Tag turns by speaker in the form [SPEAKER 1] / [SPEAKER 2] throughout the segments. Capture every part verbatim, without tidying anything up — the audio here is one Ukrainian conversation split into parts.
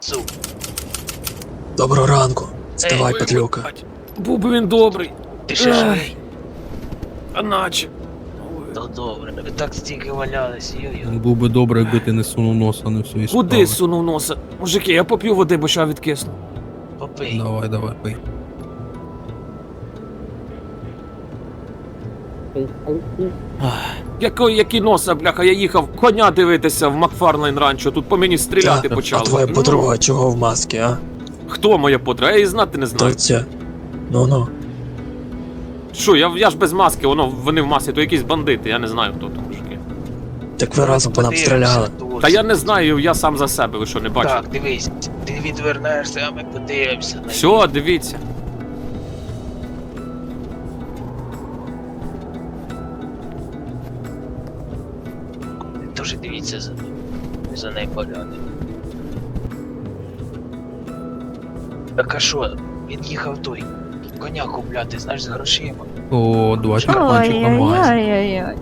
[SPEAKER 1] Суп.
[SPEAKER 2] Доброго ранку. Вставай, Петлюка.
[SPEAKER 3] Був би він добрий.
[SPEAKER 1] Ти ще живий?
[SPEAKER 3] А наче.
[SPEAKER 1] Ну добре, ви так стільки валялись, йо-йо.
[SPEAKER 4] Був би добре, якби ти не сунув носа на всю історію.
[SPEAKER 3] Куди сунув носа? Мужики, я поп'ю води, бо ща відкисну.
[SPEAKER 1] Попий.
[SPEAKER 4] Давай, давай, пий.
[SPEAKER 3] Який, який носа, бляха, я їхав коня дивитися в Макфарлейн ранчо, тут по мені стріляти
[SPEAKER 2] Та,
[SPEAKER 3] почали.
[SPEAKER 2] А твоя
[SPEAKER 3] Ну,
[SPEAKER 2] подруга чого в масці, а?
[SPEAKER 3] Хто моя подруга? Я її знати не знаю.
[SPEAKER 2] Доця. Ну-ну.
[SPEAKER 3] Що, я, я ж без маски, воно, вони в масці, то якісь бандити, я не знаю, хто там, мужики.
[SPEAKER 2] Так ви разом по нам
[SPEAKER 1] Подивимося
[SPEAKER 2] стріляли.
[SPEAKER 1] тут.
[SPEAKER 3] Та я не знаю, я сам за себе, ви що, не бачите?
[SPEAKER 1] Так, дивись, ти відвернешся, а ми подивимося на
[SPEAKER 3] Все, дивіться.
[SPEAKER 1] Дуже дивіться за ним. За нею поляни. Так а що? Він їхав той. Коня купляти, знаєш, з грошима.
[SPEAKER 4] О, два черпанчика мазь.
[SPEAKER 5] Ой-ой-ой.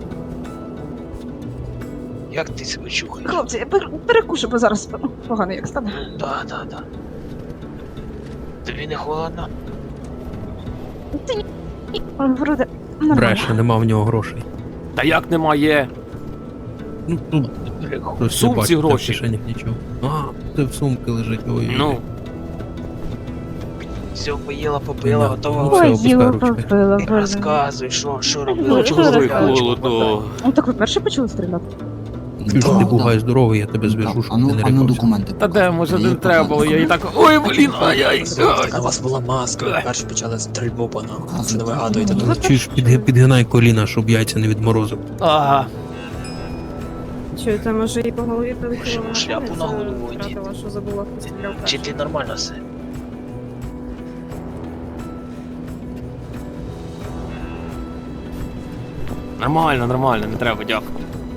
[SPEAKER 1] Як ти себе чухаєш?
[SPEAKER 5] Хлопці, я пер- перекушу, бо зараз погано як стане.
[SPEAKER 1] Да, да, да. Тобі не холодно?
[SPEAKER 5] Ти ні. Вроде, нормально.
[SPEAKER 4] Бреше, нема в нього грошей.
[SPEAKER 3] Та як немає?
[SPEAKER 4] Ну, тут
[SPEAKER 1] Прикол.
[SPEAKER 4] хтось
[SPEAKER 3] сумці
[SPEAKER 4] не бачить, та в
[SPEAKER 3] гроші.
[SPEAKER 4] кишенях нічого. А, це в сумки лежить, ой.
[SPEAKER 3] Ну,
[SPEAKER 1] Все, поїла, попила,
[SPEAKER 4] Да.
[SPEAKER 1] готова.
[SPEAKER 4] Ну,
[SPEAKER 5] Ой,
[SPEAKER 4] опускай
[SPEAKER 5] їла,
[SPEAKER 4] ручки.
[SPEAKER 5] попила,
[SPEAKER 1] Ти
[SPEAKER 5] боже.
[SPEAKER 1] розказуй, що, що
[SPEAKER 5] Ну,
[SPEAKER 1] робила,
[SPEAKER 5] що
[SPEAKER 1] чого
[SPEAKER 5] ви
[SPEAKER 3] ой,
[SPEAKER 1] заявила, чого
[SPEAKER 3] холодно.
[SPEAKER 5] Ну так ви перші почали стріляти?
[SPEAKER 4] Чуєш, ти бугай здоровий, я тебе зв'яжу, щоб
[SPEAKER 6] а ну,
[SPEAKER 4] ти не
[SPEAKER 6] а ну
[SPEAKER 4] рипався.
[SPEAKER 6] документи.
[SPEAKER 3] Та де, може
[SPEAKER 6] Є
[SPEAKER 3] не треба було, я і
[SPEAKER 6] документи.
[SPEAKER 3] так. Ой, блін, ай-яй. ай.
[SPEAKER 2] А у вас була маска, ви перші почали стрільбу по нам. Це не вигадуєте
[SPEAKER 5] Ну,
[SPEAKER 2] тут.
[SPEAKER 4] Чуєш, підги- підгинай коліна, щоб яйця не відморозив.
[SPEAKER 3] Ага.
[SPEAKER 5] Чуєте, може і по голові прилетіло
[SPEAKER 1] Шляпу шляпу на голову одіть.
[SPEAKER 5] що забула, хто стріляв.
[SPEAKER 1] Чи ти нормально все?
[SPEAKER 3] Нормально, нормально, не треба, дякую.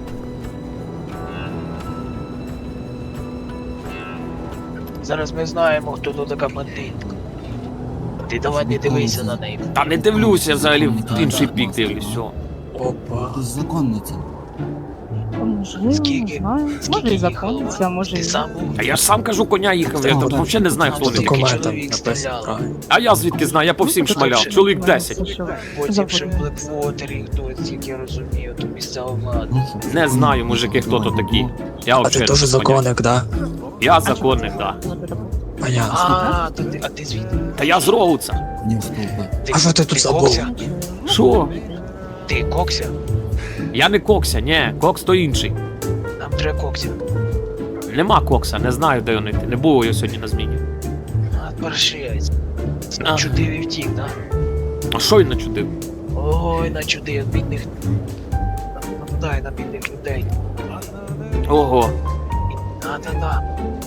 [SPEAKER 1] Зараз ми знаємо, хто тут така бандитка. Ти давай не дивися на неї.
[SPEAKER 3] Та не дивлюся, я взагалі в інший бік дивлюсь, все.
[SPEAKER 2] Опа.
[SPEAKER 6] Ти законниця.
[SPEAKER 5] Можливо, не
[SPEAKER 1] Скільки-
[SPEAKER 5] знаю.
[SPEAKER 1] Скільки
[SPEAKER 5] Може і
[SPEAKER 1] їхала?
[SPEAKER 5] законниця, може
[SPEAKER 1] Ти
[SPEAKER 5] і...
[SPEAKER 1] сам був?
[SPEAKER 3] А я ж сам кажу, коня їхав, я там взагалі не знаю, хто
[SPEAKER 2] По
[SPEAKER 3] він.
[SPEAKER 1] Такий
[SPEAKER 2] документам
[SPEAKER 1] чоловік
[SPEAKER 2] написано
[SPEAKER 1] стріляв.
[SPEAKER 2] правильно.
[SPEAKER 3] А я звідки знаю, я по всім шмаляв, чоловік десять.
[SPEAKER 5] Це що?
[SPEAKER 1] Потім ще в Блеквотері, хтось, як я розумію, то місцева влада.
[SPEAKER 6] Ну, що?
[SPEAKER 3] Не знаю, мужики, хто то такі. Я
[SPEAKER 2] А ти
[SPEAKER 3] взагалі
[SPEAKER 2] теж
[SPEAKER 3] не
[SPEAKER 2] законник, да?
[SPEAKER 3] поняв. Я законник, да.
[SPEAKER 2] Понятно.
[SPEAKER 1] А, то ти, а ти звідки?
[SPEAKER 3] Та я з Роуца.
[SPEAKER 6] Не вступи.
[SPEAKER 2] А що ти тут забув?
[SPEAKER 1] Кокся?
[SPEAKER 3] Що?
[SPEAKER 1] Ти Кокся?
[SPEAKER 3] Я не Кокся, ні, Кокс то інший.
[SPEAKER 1] Нам треба Кокся.
[SPEAKER 3] Нема Кокса, не знаю, де вони. Не було його сьогодні на зміні.
[SPEAKER 1] А, паршивець.
[SPEAKER 3] А.
[SPEAKER 1] Начудив і втік, да?
[SPEAKER 3] А що він начудив?
[SPEAKER 1] Ой, начудив, бідних... Нападай на бідних людей.
[SPEAKER 3] Ого.
[SPEAKER 1] Да-да-да.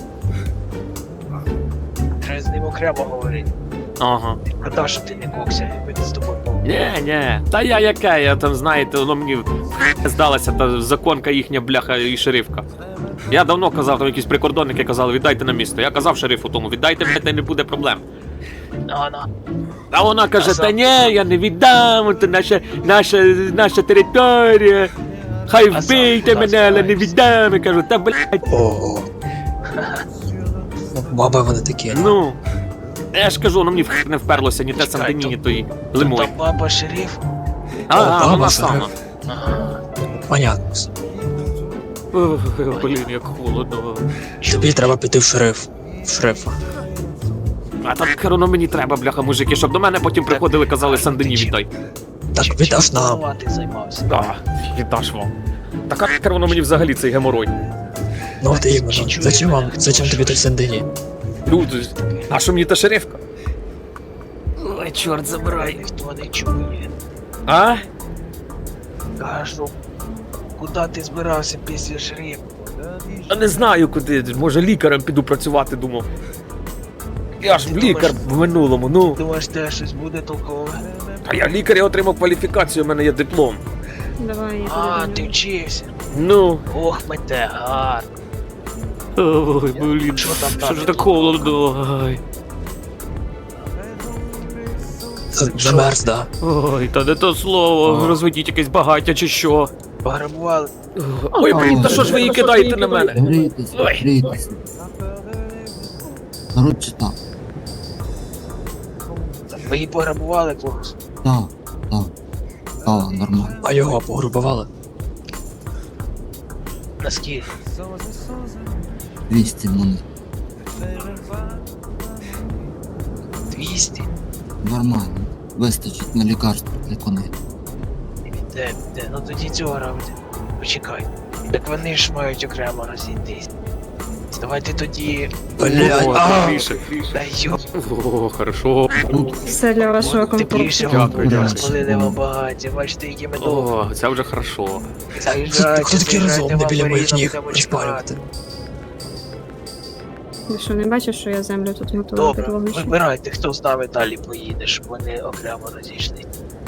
[SPEAKER 1] Треба з ним окремо говорити.
[SPEAKER 3] Ага.
[SPEAKER 1] Шкода, що ти не Кокся, ми з тобою поговоримо.
[SPEAKER 3] Ні, ні. Та я яке, я там, знаєте, воно мені здалася та законка їхня бляха і шерифка. Я давно казав, там якісь прикордонники казали, віддайте на місто. Я казав шерифу тому, віддайте мене, та й не буде проблем.
[SPEAKER 1] Ана.
[SPEAKER 3] А вона каже,
[SPEAKER 1] Казав.
[SPEAKER 3] та ні, я не віддам, це наша, наша, наша територія. Хай
[SPEAKER 1] А
[SPEAKER 3] вбийте
[SPEAKER 1] сам
[SPEAKER 3] мене, але не
[SPEAKER 1] куди
[SPEAKER 3] віддам. Я кажу, та блядь,
[SPEAKER 2] Ого. Баби вони такі.
[SPEAKER 3] ну. Я ж кажу, воно мені в х- не вперлося ні те
[SPEAKER 1] Чекай,
[SPEAKER 3] Сандині,
[SPEAKER 1] то-
[SPEAKER 3] ні тої
[SPEAKER 1] Та
[SPEAKER 3] лимой.
[SPEAKER 1] баба шериф?
[SPEAKER 3] А, а,
[SPEAKER 2] баба
[SPEAKER 3] вона
[SPEAKER 2] шериф.
[SPEAKER 3] сама.
[SPEAKER 1] Ага.
[SPEAKER 2] Понятно.
[SPEAKER 3] Ох, блін, як холодно.
[SPEAKER 2] Тобі треба піти в шериф. В шерифа.
[SPEAKER 3] А так воно мені треба, бляха, мужики, щоб до мене потім приходили, казали, Сандині віддай.
[SPEAKER 2] Так,
[SPEAKER 1] Чим-
[SPEAKER 2] віддаш
[SPEAKER 1] чим
[SPEAKER 2] нам.
[SPEAKER 1] ти займався?
[SPEAKER 3] А, віддаш вам. Так а воно мені взагалі цей геморой.
[SPEAKER 2] Ну от іменно. Зачем вам? Зачем тобі той Сендині?
[SPEAKER 3] Люди, а що мені та шерифка? Ой, чорт забирай.
[SPEAKER 1] Ніхто не чує.
[SPEAKER 3] А?
[SPEAKER 1] Кажу, куди ти збирався після шерифа?
[SPEAKER 3] А не знаю куди, може лікарем піду працювати, думав. Я ж
[SPEAKER 1] Ти
[SPEAKER 3] лікар
[SPEAKER 1] думаєш-
[SPEAKER 3] в минулому, ну.
[SPEAKER 1] Думаєш, те щось буде толкове?
[SPEAKER 3] А я лікар, я отримав кваліфікацію, у мене є диплом.
[SPEAKER 5] Давай, я
[SPEAKER 1] А,
[SPEAKER 5] подивлюсь.
[SPEAKER 1] ти вчився.
[SPEAKER 3] Ну.
[SPEAKER 1] Ох, мете, гарно.
[SPEAKER 3] Ой, блін,
[SPEAKER 1] Що там
[SPEAKER 3] що
[SPEAKER 1] далі?
[SPEAKER 3] ж так холодно. Ой.
[SPEAKER 2] З- Замерз, да?
[SPEAKER 3] Ой, та не то слово, розведіть якесь багаття чи що.
[SPEAKER 1] Пограбували.
[SPEAKER 3] Ой, блін, та що ж ви її кидаєте на мене?
[SPEAKER 6] Грійтесь,
[SPEAKER 3] Ой.
[SPEAKER 6] грійтесь. Коротше так,
[SPEAKER 1] Ви її пограбували когось?
[SPEAKER 6] так, так. Стало нормально.
[SPEAKER 2] А його погрубували.
[SPEAKER 1] Наскільки?
[SPEAKER 6] двісті монет.
[SPEAKER 1] двісті?
[SPEAKER 6] Нормально. Вистачить на лікарство для коней.
[SPEAKER 1] Де, де, ну тоді цього робити. Почекай. Так вони ж мають окремо розійтись. Давайте тоді...
[SPEAKER 2] Блядь,
[SPEAKER 3] О,
[SPEAKER 2] а!
[SPEAKER 3] тепліше.
[SPEAKER 1] Та йоп,
[SPEAKER 3] О, хорошо.
[SPEAKER 5] Все для вашого комфорту.
[SPEAKER 1] тепліше
[SPEAKER 3] Дякую,
[SPEAKER 6] дякую.
[SPEAKER 1] розпалили вам багаття. Бачите, які ми довго.
[SPEAKER 3] О, це вже хорошо.
[SPEAKER 1] Заїжджайте,
[SPEAKER 2] Хто такий
[SPEAKER 1] заїжджайте,
[SPEAKER 2] розумний
[SPEAKER 1] вам
[SPEAKER 2] біля моїх
[SPEAKER 1] порізно
[SPEAKER 2] ніг
[SPEAKER 1] будемо
[SPEAKER 2] розпалювати?
[SPEAKER 1] чекати.
[SPEAKER 5] Ти що, не бачиш, що я землю тут готую під
[SPEAKER 1] Добре,
[SPEAKER 5] вогнищем?
[SPEAKER 1] вибирайте, хто з нами далі поїде, щоб вони окремо розійшли.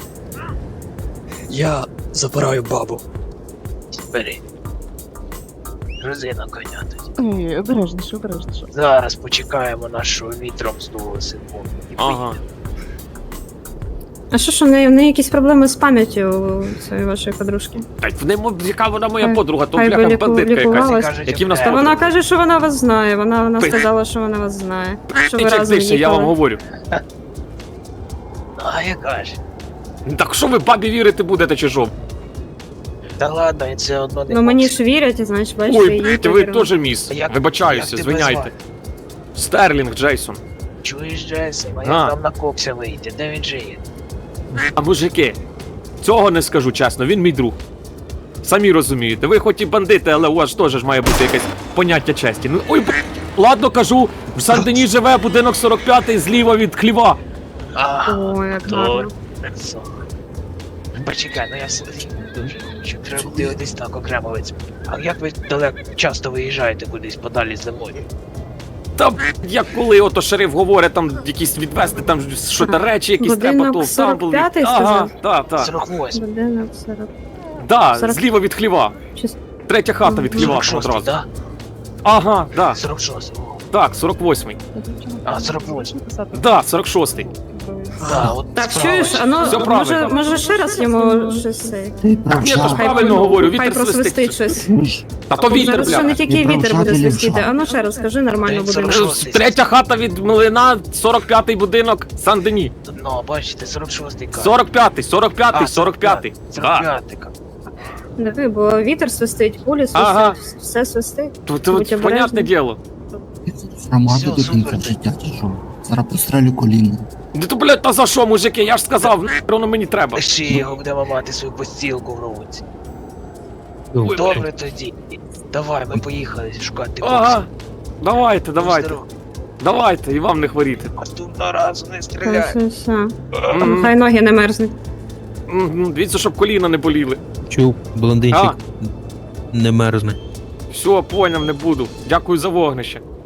[SPEAKER 2] Я забираю бабу.
[SPEAKER 1] Бери. Резина коня тоді.
[SPEAKER 7] Ні, обережніше, обережніше.
[SPEAKER 1] Зараз почекаємо нашого вітром здуло секунду. І
[SPEAKER 3] Ага.
[SPEAKER 1] поїдемо.
[SPEAKER 5] А що ж, у неї, в неї якісь проблеми з пам'яттю у цієї вашої подружки?
[SPEAKER 3] Та в ньому, яка вона моя
[SPEAKER 5] Хай-
[SPEAKER 3] подруга, то
[SPEAKER 5] хай би
[SPEAKER 3] бляха
[SPEAKER 5] ліку-
[SPEAKER 3] бандитка якась.
[SPEAKER 5] лікувалась.
[SPEAKER 1] Кажуть,
[SPEAKER 3] Які в нас
[SPEAKER 5] Та
[SPEAKER 1] окремо.
[SPEAKER 5] вона каже, що вона вас знає. Вона, вона
[SPEAKER 3] Пи-
[SPEAKER 5] сказала, що вона вас знає. Що ви
[SPEAKER 3] Тичek
[SPEAKER 5] разом
[SPEAKER 3] тише, я вам
[SPEAKER 5] їхали.
[SPEAKER 3] говорю.
[SPEAKER 1] А яка ж?
[SPEAKER 3] Так що ви бабі вірити будете чи що?
[SPEAKER 1] Та ладно, і це одно не
[SPEAKER 5] Ну мені
[SPEAKER 1] хоче.
[SPEAKER 5] ж вірять, і значить, бачите,
[SPEAKER 3] Ой,
[SPEAKER 5] їй
[SPEAKER 3] блядь, ви
[SPEAKER 5] повірили.
[SPEAKER 3] теж міс.
[SPEAKER 1] А як-
[SPEAKER 3] Вибачаюся,
[SPEAKER 1] як тебе
[SPEAKER 3] звиняйте.
[SPEAKER 1] звати?
[SPEAKER 3] Стерлінг Джейсон.
[SPEAKER 1] Чуєш, Джейсон, а
[SPEAKER 3] А.
[SPEAKER 1] як там на кокся вийти? Де він жиє?
[SPEAKER 3] А мужики, цього не скажу чесно, він мій друг. Самі розумієте, ви хоч і бандити, але у вас теж ж має бути якесь поняття честі. Ну ой, б- ладно кажу, в Сан-Дені живе будинок сорок п'ятий зліва від хліва.
[SPEAKER 1] А,
[SPEAKER 5] О, як
[SPEAKER 1] добре.
[SPEAKER 5] гарно.
[SPEAKER 1] Це. Почекай, ну я все-таки дуже хочу. Треба дивитись так окремо виць. А як ви далеко часто виїжджаєте кудись подалі зимою?
[SPEAKER 3] Та як коли ото шериф говорить, там якісь відвести, там що то речі, якісь треба,
[SPEAKER 5] Будинок
[SPEAKER 3] то
[SPEAKER 5] сорок
[SPEAKER 3] там
[SPEAKER 5] п'ятий
[SPEAKER 3] Ага,
[SPEAKER 5] сказав?
[SPEAKER 3] так, так.
[SPEAKER 1] сорок восьмий.
[SPEAKER 5] Будинок сорок.
[SPEAKER 3] Да,
[SPEAKER 5] сорок-
[SPEAKER 3] зліва від хліва.
[SPEAKER 5] Чи-
[SPEAKER 3] Третя хата від хліва
[SPEAKER 1] сорок шостий,
[SPEAKER 3] одразу.
[SPEAKER 1] да?
[SPEAKER 3] Ага, да,
[SPEAKER 1] сорок шостий. О,
[SPEAKER 3] так, сорок восьмий.
[SPEAKER 1] А, сорок восьмий.
[SPEAKER 3] Да, сорок шостий.
[SPEAKER 1] Да, от
[SPEAKER 5] Так,
[SPEAKER 1] справа.
[SPEAKER 5] чуєш, а ну,
[SPEAKER 3] Все
[SPEAKER 5] може,
[SPEAKER 3] правильно.
[SPEAKER 5] може ще раз йому щось цей?
[SPEAKER 6] Ти
[SPEAKER 3] Ні, то ж
[SPEAKER 6] правша.
[SPEAKER 3] правильно говорю,
[SPEAKER 5] Хай
[SPEAKER 3] вітер
[SPEAKER 5] просвистить
[SPEAKER 3] свистить.
[SPEAKER 5] щось.
[SPEAKER 3] Та то вітер,
[SPEAKER 5] Зараз ще не
[SPEAKER 3] бля.
[SPEAKER 5] тільки
[SPEAKER 6] І
[SPEAKER 5] вітер буде
[SPEAKER 6] правша, і
[SPEAKER 5] свистіти.
[SPEAKER 6] лівша.
[SPEAKER 5] А ну ще раз, скажи нормально
[SPEAKER 1] Та й
[SPEAKER 5] будинок.
[SPEAKER 1] сорок шостий.
[SPEAKER 3] Третя хата від Млина, сорок п'ятий будинок Сан-Дені.
[SPEAKER 1] Ну, бачите, сорок шостий кадр.
[SPEAKER 3] сорок п'ятий, сорок п'ятий,
[SPEAKER 1] А,
[SPEAKER 3] сорок п'ятий.
[SPEAKER 1] сорок
[SPEAKER 3] Так.
[SPEAKER 1] п'ятий кадр.
[SPEAKER 5] Диви, бо вітер свистить, кулі свистить,
[SPEAKER 3] Ага.
[SPEAKER 5] все свистить.
[SPEAKER 3] То, то,
[SPEAKER 5] Будь
[SPEAKER 3] от, понятне
[SPEAKER 5] обережний.
[SPEAKER 3] діло.
[SPEAKER 6] Громаду
[SPEAKER 1] Всьо,
[SPEAKER 6] до кінця
[SPEAKER 1] супер.
[SPEAKER 6] життя чи що? Зараз пострелю коліно.
[SPEAKER 3] Ну то, блядь, та за що, мужики? Я ж сказав, нахер воно мені треба.
[SPEAKER 1] Лиши його, будемо мати свою постілку в руці.
[SPEAKER 4] Добре.
[SPEAKER 1] Добре тоді. Давай, ми поїхали шукати
[SPEAKER 3] Ага,
[SPEAKER 1] бокса.
[SPEAKER 3] давайте, давайте,
[SPEAKER 1] Здорово.
[SPEAKER 3] давайте, і вам не хворіти.
[SPEAKER 1] Наступного разу не
[SPEAKER 5] Все,
[SPEAKER 1] стріляй.
[SPEAKER 5] все, все.
[SPEAKER 3] М,
[SPEAKER 5] Хай ноги не мерзнуть.
[SPEAKER 3] м, Дивіться, щоб коліна не боліли.
[SPEAKER 4] Чув, блондинчик
[SPEAKER 3] А.
[SPEAKER 4] не мерзне.
[SPEAKER 3] Все, поняв, не буду. Дякую за вогнище.